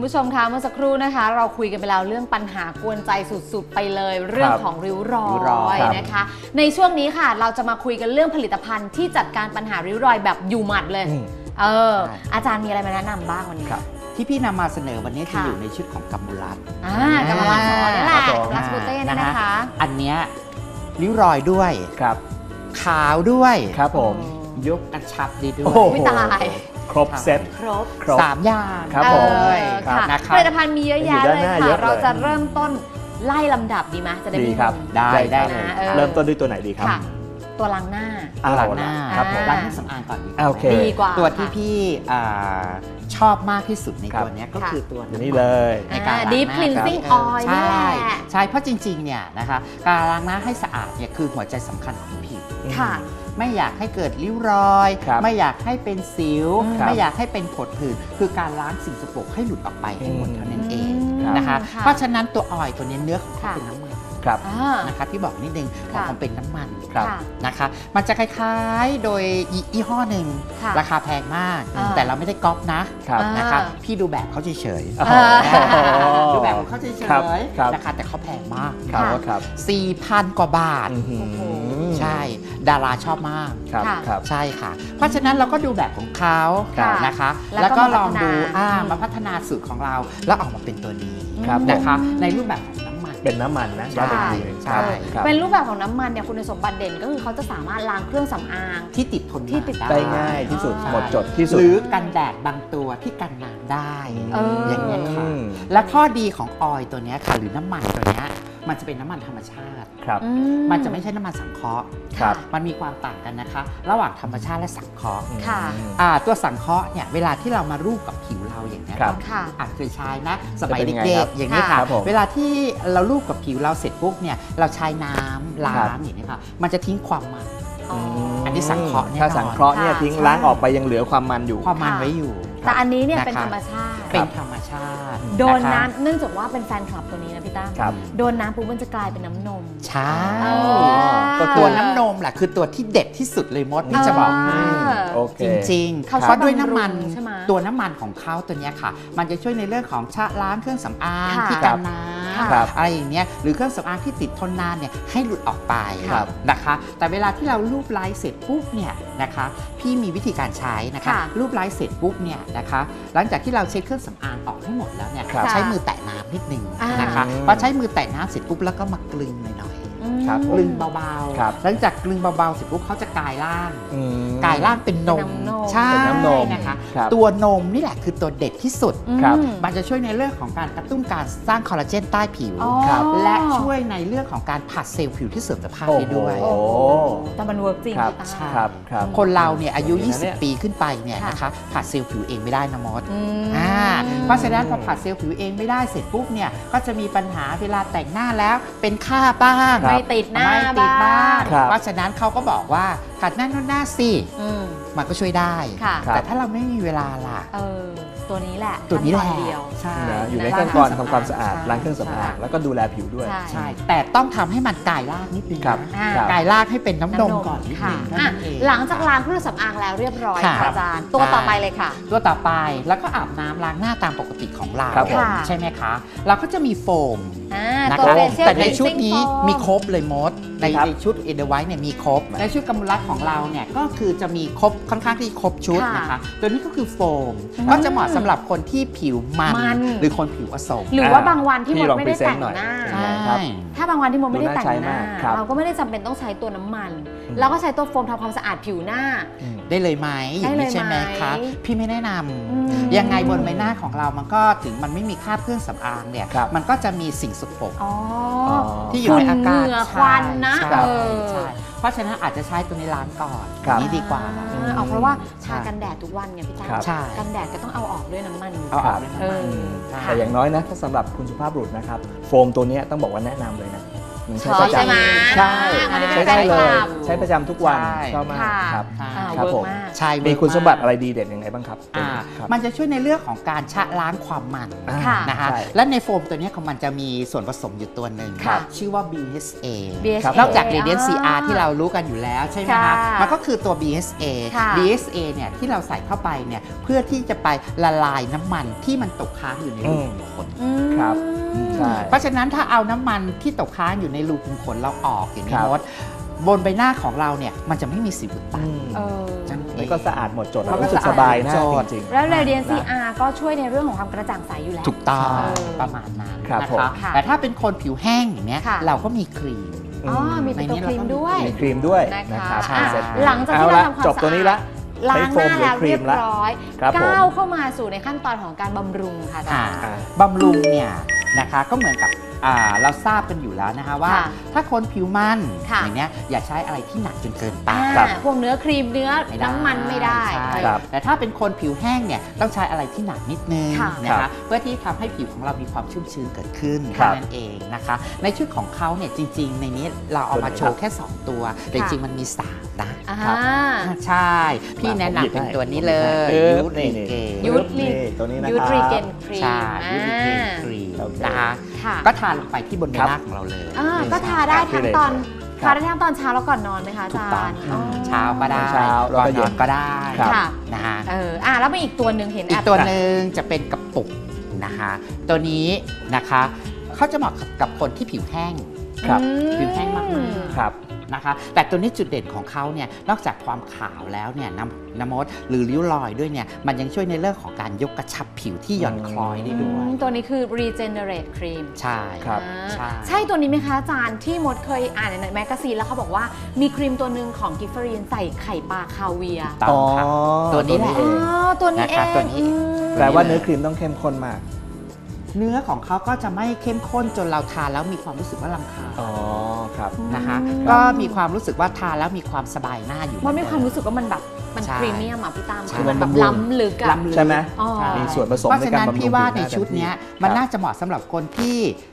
คุณผู้ชมคะเมื่อสักครู่นะคะเราคุยกันไปแล้วเรื่องปัญหากวนใจสุดๆไปเลยเรื่องของริ้วรอยนะคะในช่วงนี้ค่ะเราจะมาคุยกันเรื่องผลิตภัณฑ์ที่จัดการปัญหาริ้วรอยแบบอยู่หมัดเลยอาจารย์มีอะไรมาแนะนำบ้างวันนี้ที่พี่นำมาเสนอวันนี้จะอยู่ในชุดของกัมมูรัตกัมมูรัตนี่แหละรัสบูเต้นี่นะคะอันเนี้ยริ้วรอยด้วยขาวด้วยครับผมยกกระชับดีด้วยไม่ตายครบเซ็ตครบ 3 อย่างครับผมผลิตภัณฑ์มีเยอะแยะเลยค่ะเราจะเริ่มต้นไล่ลำดับดีไหมจะได้มีครับได้เลยเริ่มต้นด้วยตัวไหนดีครับตัวล้างหน้าล้างหน้าล้างสำอางก่อนดีกว่าตัวที่พี่ชอบมากที่สุดในตัวนี้ก็คือตัวนี้เลยในการล้างหน้า Deep Cleansing Oil นี่แหละใช่เพราะจริงๆเนี่ยนะคะการล้างหน้าให้สะอาดเนี่ยคือหัวใจสำคัญของผิวไม่อยากให้เกิดริ้วรอยไม่อยากให้เป็นสิวไม่อยากให้เป็นผดผื่นคือการล้างสิ่งสกปรกให้หลุดออกไปให้หมดเท่านั้นเองนะคะเพราะฉะนั้นตัวออยล์ตัวนี้เนื้อของเขาเป็นน้ำมันนะคะที่บอกนิดนึงของมันเป็นน้ำมันนะคะมันจะคล้ายๆโดยยี่ห้อหนึ่งราคาแพงมากแต่เราไม่ได้ก๊อปนะคะพี่ดูแบบเขาเฉยๆดูแบบของเขาเฉยๆนะคะแต่เขาแพงมาก4,000 กว่าบาทใช่ดาราชอบมากใช่ค่ะเพราะฉะนั้นเราก็ดูแบบของเขานะคะแล้วก็ลองดูมาพัฒนาสูตรของเราแล้วออกมาเป็นตัวนี้นะคะในรูปแบบของน้ำมันเป็นน้ำมันนะใช่เป็นรูปแบบของน้ำมันเนี่ยคุณสมบัติเด่นก็คือเขาจะสามารถล้างเครื่องสำอางที่ติดทนได้ง่ายที่สุดหมดจดที่สุดหรือกันแดดบางตัวที่กันน้ำได้อย่างนี้ค่ะและข้อดีของออยล์ตัวนี้ค่ะหรือน้ำมันตัวนี้มันจะเป็นน้ำมันธรรมชาติมันจะไม่ใช่น้ำมันสังเคราะห์มันมีความต่างกันนะคะระหว่างธรรมชาติและสังเคราะห์ตัวสังเคราะห์เนี่ยเวลาที่เรามารูปกับผิวเราอย่างนี้อาจเคยใช้นะสมัยเด็กๆอย่างนี้ค่ะเวลาที่เรารูปกับผิวเราเสร็จปุ๊บเนี่ยเราใช้น้ำล้างอย่างนี้ค่ะมันจะทิ้งความมันอันนี้สังเคราะห์ถ้าสังเคราะห์เนี่ยทิ้งล้างออกไปยังเหลือความมันอยู่ความมันไว้อยู่แต่อันนี้เนี่ยเป็นธรรมชาติโดนน้ำเนื่องจากว่าเป็นแฟนคลับตัวนี้นะพี่ตั้มโดนน้ำปุ๊บมันจะกลายเป็นน้ำนมใช่ก็ตัวน้ำนมแหละคือตัวที่เด็ดที่สุดเลยมดนี่จะบอกจริงๆเพราะด้วยน้ำมันตัวน้ำมันของเขาตัวนี้ค่ะมันจะช่วยในเรื่องของชะล้างเครื่องสำอางที่กันน้ำอะไรอย่างเงี้ยหรือเครื่องสำอางที่ติดทนนานเนี่ยให้หลุดออกไปนะคะแต่เวลาที่เราลูบไล้เสร็จปุ๊บเนี่ยนะคะพี่มีวิธีการใช้นะคะลูบไล้เสร็จปุ๊บเนี่ยนะคะหลังจากที่เราเช็ดเครื่องสำอางออกให้หมดแล้วเนี่ยใช้มือแตะน้ำนิดนึงนะคะพอใช้มือแตะน้ำเสร็จปุ๊บแล้วก็มากลึงหน่อยกลึงเบาๆหลังจากกลึงเบาๆเสร็จปุ๊บเขาจะกลายร่างเป็นนมใช่นะคะตัวนมนี่แหละคือตัวเด็ดที่สุดมันจะช่วยในเรื่องของการกระตุ้นการสร้างคอลลาเจนใต้ผิวและช่วยในเรื่องของการผัดเซลล์ผิวที่เสื่อมสภาพได้ด้วยแต่มันเวิร์กจริงใช่คนเราเนี่ยอายุ20 ปีขึ้นไปเนี่ยนะคะผัดเซลล์ผิวเองไม่ได้นะมดเพราะฉะนั้นพอผัดเซลล์ผิวเองไม่ได้เสร็จปุ๊บเนี่ยก็จะมีปัญหาเวลาแต่งหน้าแล้วเป็นค่าบ้างไม่ติดหน้าบ้างเพราะฉะนั้นเขาก็บอกว่าขัดหน้าหน้าสิมันก็ช่วยได้แต่ถ้าเราไม่มีเวลาล่ะตัวนี้แหละใช่อยู่ในขั้นตอนทำความสะอาดล้างเครื่องสำอางแล้วก็ดูแลผิวด้วยใช่แต่ต้องทำให้มันกายรากนิดนึงกายรากให้เป็นน้ำนมก่อนนิดนึงหลังจากล้างเครื่องสำอางแล้วเรียบร้อยอาจารย์ตัวต่อไปเลยค่ะตัวต่อไปแล้วก็อาบน้ำล้างหน้าตามปกติของเราใช่ไหมคะเราก็จะมีโฟมนะคะแต่ในชุดนี้มีครบเลยมดในชุดเอเดไวท์เนี่ยมีครบในชุดกัมมูรัตของเราเนี่ยก็คือจะมีครบค่อนข้างที่ครบชุดนะคะตัวนี้ก็คือโฟมก็จะเหมาะสำหรับคนที่ผิวมันหรือคนผิวอสมหรือว่าบางวันที่มดไม่ได้แต่งหน้าถ้าบางวันที่มดไม่ได้แต่งหน้าเราก็ไม่ได้จำเป็นต้องใช้ตัวน้ำมันเราก็ใช้ตัวโฟมทำความสะอาดผิวหน้าได้เลยไหมอย่างนี้ใช่ไหมคะพี่ไม่แนะนำยังไงบนใบหน้าของเรามันก็ถึงมันไม่มีคราบเครื่องสำอางเนี่ยมันก็จะมีสิ่งสกปรกที่อยู่ในอากาศควันนะเพราะฉะนั้นอาจจะใช้ตัวนี้ล้างก่อนนี้ดีกว่าเพราะว่าทากันแดดทุกวันไงพี่จ้ากันแดดก็ต้องเอาออกด้วยน้ำมันแต่อย่างน้อยนะถ้าสำหรับคุณสุภาพบุรุษนะครับโฟมตัวนี้ต้องบอกว่าแนะนำเลยนะใช้ประจำใช่ไหมใช่อันนี้เป็นใช้ได้เลยแฟนคลับใช้ประจำทุกวันใช่ชอบมากค่ะครับเวิร์กผมมากใช่มีคุณสมบัติเวิอะร์กไรดีเด่นยังไงบ้างครับอ่าครับมันจะช่วยในเรื่องของการชะล้างความมันค่ะนะคะใช่และในโฟมตัวเนี้ยของมันจะมีส่วนผสมอยู่ตัวหนึ่งค่ะชื่อว่า BHA BHA นอกจาก Radiant CR ที่เรารู้กันอยู่แล้วใช่ไหมค่ะคะมันก็คือตัว BHA ค่ะ BHA เนี่ยที่เราใส่เข้าไปเนี่ยเพื่อที่จะไปละลายน้ำมันที่มันตกค้างอยู่ในรูขุมขนอืมครับใช่เพราะฉะนั้นถ้าเอาน้ำมันที่ตกค้างอยู่ในรูขุมขนเราออกอย่างนี้ครับมดบนใบหน้าของเราเนี่ยมันจะไม่มีสิวอุดตันเออจังมันก็สะอาดหมดจดมันก็รู้สึกสะอาดสบายหน้าหมดจดจริงๆแล้ว Radiant นะ CR ก็ช่วยในเรื่องของความกระจ่างใสอยู่แล้วถูกต้องเออประมาณนั้นครับนะผมคะค่ะแต่ถ้าเป็นคนผิวแห้งอย่างเนี้ยค่ะเราก็มีครีมอ๋อมีเป็นตัวครีมด้วยมีครีมด้วยนะคะนะครับใช่อ่ะเสร็จหลังจากที่อเราละทำความจบตัวนี้ละล้างหน้าแล้วใช้โฟมหรือครีเรียมบละร้อยครับผมก้าวเข้ามาสู่ในขั้นตอนของการบำรุงค่ะอาจารย์บำรุงเนี่ยนะคะก็เหมือนกับเราทราบกันอยู่แล้วนะคะว่าค่ะถ้าคนผิวมันค่ะอย่างเนี้ยอย่าใช้อะไรที่หนักจนเกินไปอ่าพวกเนื้อครีมเนื้อไม่ได้น้ำมันไม่ได้ใช่ครับแต่ถ้าเป็นคนผิวแห้งเนี่ยต้องใช้อะไรที่หนักนิดนึงค่ะนะครัคะบเพื่อที่ทำให้ผิวของเรามีความชุ่มชื้นเกิดขึ้นครัแค่บนั้นเองนะคะ ในชุดของเขาเนี่ยจริง ๆ ในนี้เราเอามาโชว์แค่ 2 ตัว แต่จริงๆมันมี 3 นะอ่าครับใช่ พี่แนะนำเป็นตัวนี้เลยผมหยูยิบให้ทรีเกนยุทธนี่ตัวนี้นะคยูรับทรีเกนครีมใช่ยูทรีเกนครีมโอเคนะคะค่ะก็ทาลงไปที่บนใบครับหน้าของเราเลยก็ทาได้ทั้งตอนครับทาได้ทั้งตอนเช้าแล้วก่อนนอนไหมคะอาถูกจาต้องรย์ค่ะอ๋อเช้าก็ได้เช้าแล้วก่อนก็นเย็อน นก็ได้ครับค่ะนะคะแล้วมีอีกตัวหนึ่งเห็นอีแอก บตัวหนึ่งจะเป็นกระปุกนะคะ ตัวนี้นะคะเขาจะเหมาะกับคนที่ผิวแห้งครับผิวแห้งมากครับนะคะ แต่ตัวนี้จุดเด่นของเขาเนี่ยนอกจากความขาวแล้วเนี่ยน้ำมดหรือริ้วรอยด้วยเนี่ยมันยังช่วยในเรื่องของการยกกระชับผิวที่หย่อนคล้อยได้ด้วยตัวนี้คือ regenerate cream ใช่ครับใช่ใช่ตัวนี้ไหมคะอาจารย์ที่มดเคยอ่านในแมกกาซีนแล้วเขาบอกว่ามีครีมตัวหนึ่งของกิฟเฟอรีนใส่ไข่ปลาคาเวียร์ต้องค่ะ ตัวนี้แหละเออ๋อง ตัวนี้เอนะคะงตัวนี้อืมแปลว่าเนื้อครีมต้องเข้มข้นมากเนื้อของเขาก็จะไม่เข้มข้นจนเราทานแล้วมีความรู้สึกว่ารำคาญอ๋อครับนะคะอืมก็มีความรู้สึกว่าทานแล้วมีความสบายหน้าอยู่มันมีความรู้สึกว่ามันแบบมันใช่พรีเมียมอ่ะพี่ตามใช่คือมันแบบมันบำรุงล้ำลึกอะล้ำลึกใช่ไหมอ๋อใช่มีส่วนผสมเพราะในฉะการนั้นบำรุงพี่ว่าผิวหในน้าชุดเนี้ยเต็มที่มันครับน่าจะเหมาะสำหรับคนที่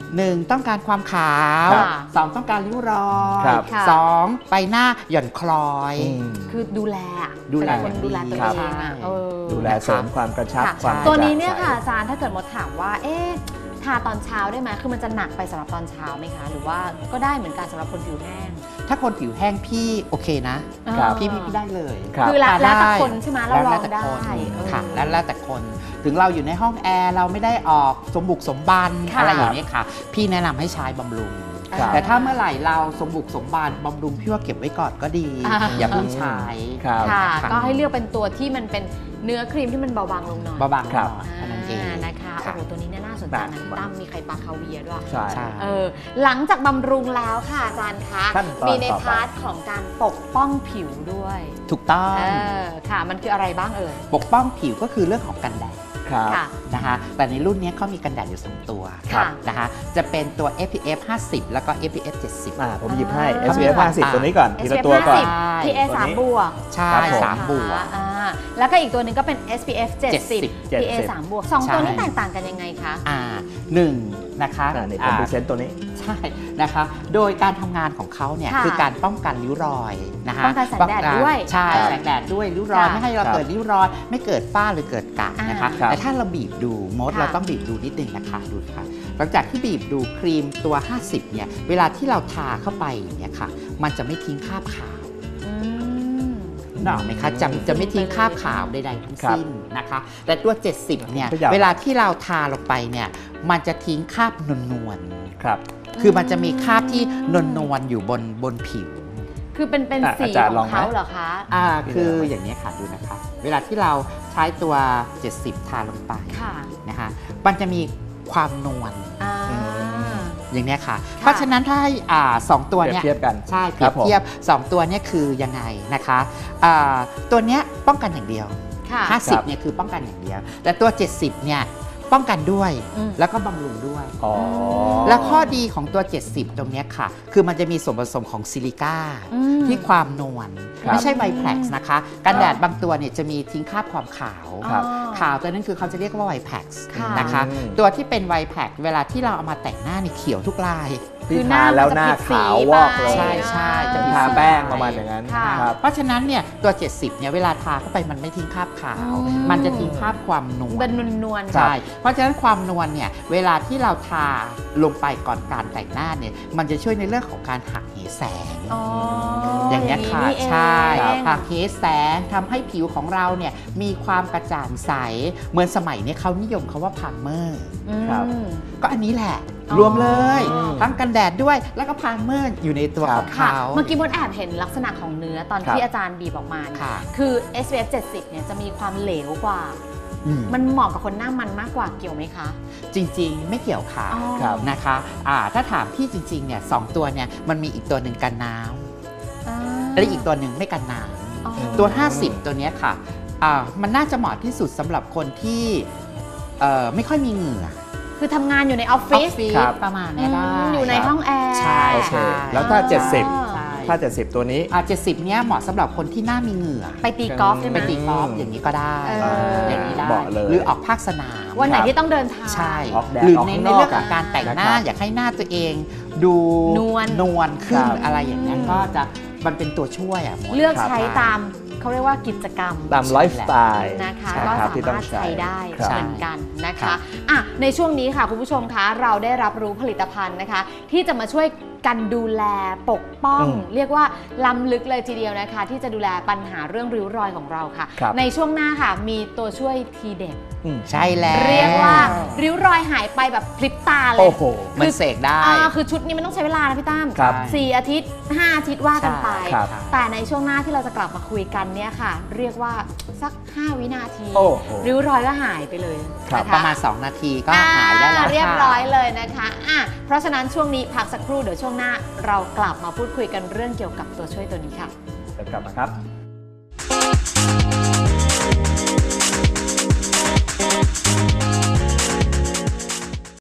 1 ต้องการความขาวครับ 2 ต้องการริ้วรอยครับค่ะ 2 ไปหน้าหย่อนคล้อยอืมคือดูแลอะดูแลเป็นคนดูแลตัวครับเองอะเออดูแลเสริมความกระชับค่ะความตัวนี้เนี่ยกระจ่างใสค่ะอาจารย์ถ้าเกิดมดถามว่าเอ๊ะทาตอนเช้าได้ไหมคือมันจะหนักไปสำหรับตอนเช้าไหมคะ หรือว่าก็ได้เหมือนกันสำหรับคนผิวแห้งถ้าคนผิวแห้งพี่โอเคนะครับพี่ได้เลยครับคือแล้วทานแล้วแต่ได้คนใช่ไหมเราลองได้ค่ะแล้วแต่คน ถึงเราอยู่ในห้องแอร์เราไม่ได้ออกสมบุกสมบันค่ะอะไรอย่างนี้ยค่ะ พี่แนะนำให้ใช้บำรุงครับแต่ถ้าเมื่อไหร่เราสมบุกสมบันบำรุงพี่ว่าเก็บไว้ก่อนก็ดี อย่าเพิ่งใช้ครับค่ะค่ะก็ให้เลือกเป็นตัวที่มันเป็นเนื้อครีมที่มันเบาบางลงหน่อยเบาบางหครัน่บอยเท่านั้นเองนะคะค่ะโอ้โหตัวนี้เนี่ยน่าสนใจนะน่าตั้มมีไข่ปลาคาเวียร์ด้วยใช่ใช่หลังจากบำรุงแล้วค่ะอาจารย์คะขั้นตอนมีในต่อไปพาร์ทของการปกป้องผิวด้วยถูกต้องค่ะ มันคืออะไรบ้างเอ่ยปกป้องผิวก็คือเรื่องของกันแดดครับค่ะนะคะแต่ในรุ่นนี้เขามีกันแดดอยู่ 2 ตัวค่ะนะคะจะเป็นตัว SPF 50 แล้วก็ SPF 70 ผมหยิบให้อ่า SPF 50 ตัวนี้ก่อนทีละ SPF ตัวก่อน 50 PA ตัวนี้ 3บวกใช่ครับผม 3 บวกแล้วก็อีกตัวหนึ่งก็เป็น SPF 70 70 PA 3บวกสองใช่ตัวนี้แตกต่างกันยังไงคะหนึ่งนะคะนี่ผมพรีเซนต์ตัวนี้ใช่นะคะ โดยการทำงานของเขาเนี่ยค่ะคือการป้องกันริ้วรอยนะคะป้องกันแสงแดดด้วยใช่ครับแสงแดดด้วยริ้วรอยค่ะไม่ให้เราครับเกิดริ้วรอย ไม่เกิดฝ้าหรือเกิดกระนะคะครับแต่ถ้าเราบีบดูมดค่ะเราต้องบีบดูนิดนึงนะคะดูค่ะหลังจากที่บีบดูครีมตัว 50 เนี่ยเวลาที่เราทาเข้าไปเนี่ยค่ะ มันจะไม่ทิ้งคราบขาวอืมนึกออกไหมคะจะไม่ทิ้งคราบขาวใดๆทั้งสิ้นนะคะ แต่ตัว 70 เนี่ยก็ยาวเวลาที่เราทาลงไปเนี่ยมันจะทิ้งคราบนวลครับๆคือมันจะมีคราบที่นวลๆอยู่บนผิวคือเป็นอ่ะสีอาจารย์ขลออง งไหมเขาเหรอคะคืออย่างนี้ยค่ะดูนะคะ เวลาที่เราใช้ตัว 70 ทาลงไปค่ะนะคะมันจะมีความนวลอ่าอย่างเนี้ยค่ะ เพราะฉะนั้นถ้าให้สองตัวเปรียบเนี้ยเทียบกันใช่เปครีรัยบบ ผมเทียบ 2 ตัวเนี้ยคือยังไงนะคะตัวเนี้ยป้องกันอย่างเดียวค่ะ 50เนี่ยคือป้องกันอย่างเดียว แต่ตัว 70 เนี่ยป้องกันด้วยอืมแล้วก็บำรุงด้วยอ๋อและข้อดีของตัว 70 ตรงเนี้ยค่ะ คือมันจะมีส่วนผสมของซิลิก้าอืมที่ความนวลครับไม่ใช่ไวแพล็กซ์นะคะ กันแดดบางตัวเนี่ยจะมีทิ้งคราบความขาวครับอ๋อขาวตัวนั้นคือเขาจะเรียกว่าไวแพล็กซ์ค่ะนะคะอืมตัวที่เป็นไวแพล็กเวลาที่เราเอามาแต่งหน้านี่เขียวทุกลายที่ทาแล้วหน้าขาววอกเลยใช่ใช่จะทาแป้งประมาณอย่างนั้นค่ะครับเพราะฉะนั้นเนี่ยตัว 70เนี่ยเวลาทาเข้าไปมันไม่ทิ้งคราบขาว มันจะทิ้งคราบความนวลเป็นนวลๆใช่ เพราะฉะนั้นความนวลเนี่ยเวลาที่เราทาลงไปก่อนการแต่งหน้าเนี่ยมันจะช่วยในเรื่องของการหักเหแสงอ๋อออย่างเงี้ยค่ะนี้นี่เองใช่ครับหักเหแสงทำให้ผิวของเราเนี่ยมีความกระจ่างใสเหมือนสมัยนี้เขานิยมคาว่าพาร์เมอร์ครับก็อันนี้แหละอ๋อรวมเลย ทั้งกันแดดด้วยแล้วก็พาร์เมอร์อยู่ในตัวของค่ะเขาเมื่อกี้มดแอบเห็นลักษณะของเนื้อตอนครับที่อาจารย์บีบออกมาเนี่ยค่ะคือ SPF 70 เนี่ยจะมีความเหลวกว่าอืมมันเหมาะกับคนหน้ามันมากกว่าเกี่ยวไหมคะจริงๆ ไม่เกี่ยวค่ะอ๋อครับนะคะถ้าถามพี่จริงๆเนี่ยสองตัวเนี่ยมันมีอีกตัวหนึ่งกันน้ำอ่าและอีกตัวหนึ่งไม่กันน้อ๋อำตัว 50 ตัวเนี้ยค่ะมันน่าจะเหมาะที่สุดสำหรับคนที่ไม่ค่อยมีเหงื่อคือทำงานอยู่ในออฟอฟิอศฟฟิศครับประมาณเนี้ยได้อยู่ในห้องแอร์ใช่โอเคใช่แล้วถ้าใช่ 70 ถ้า 70 ตัวนี้ 70 เนี้ยเหมาะสำหรับคนที่หน้ามีเหงื่อไปตีกอล์ฟใช่ไหมไปตีกอล์ฟอย่างนี้ก็ได้ อย่างนี้ได้เหมาะเลยหรือออกภาคสนามวันไหนที่ต้องเดินทางใช่ออกแดดหรือออกในข้างในนอกเรื่องของการแต่งหน้านะครับอยากให้หน้าตัวเอง ดูนวลขึ้นครับอะไรอย่างเงี้ยก็จะมันเป็นตัวช่วยอ่ะมดเลือกครับใช้ตามเขาเรียกว่ากิจกรรมตามไลฟ์สไตล์นะคะใช่ก็ครับสาที่ต้อมาง รถใช้ใช้ได้ครับเหมือนกันนะครัคะบอ่ะในช่วงนี้ค่ะคุณผู้ชมคะเราได้รับรู้ผลิตภัณฑ์นะคะ ที่จะมาช่วยกันดูแลปกป้อง เรียกว่าล้ำลึกเลยทีเดียวนะคะ ที่จะดูแลปัญหาเรื่องริ้วรอยของเราค่ะครับในช่วงหน้าค่ะมีตัวช่วยทีเด็ดใช่แล้วเรียกว่าริ้วรอยหายไปแบบพลิบตาเลยโอ้โหมันเสกได้คือชุดนี้มันต้องใช้เวลานะพี่ตั้มครับ 4 อาทิตย์ 5 อาทิตย์ว่ากันไปใช่ครับแต่ในช่วงหน้าที่เราจะกลับมาคุยกันเนี่ยค่ะ เรียกว่าสัก 5 วินาทีโอ้โหริ้วรอยก็หายไปเลยครับนะคะประมาณ 2 นาทีก็หายได้แล้วเรียบค่ะร้อยเลยนะคะเพราะฉะนั้นช่วงนี้พักสักครู่เดี๋ยวช่วงหน้าเรากลับมาพูดคุยกันเรื่องเกี่ยวกับตัวช่วยตัวนี้ค่ะเดี๋ยวกลับมาครับ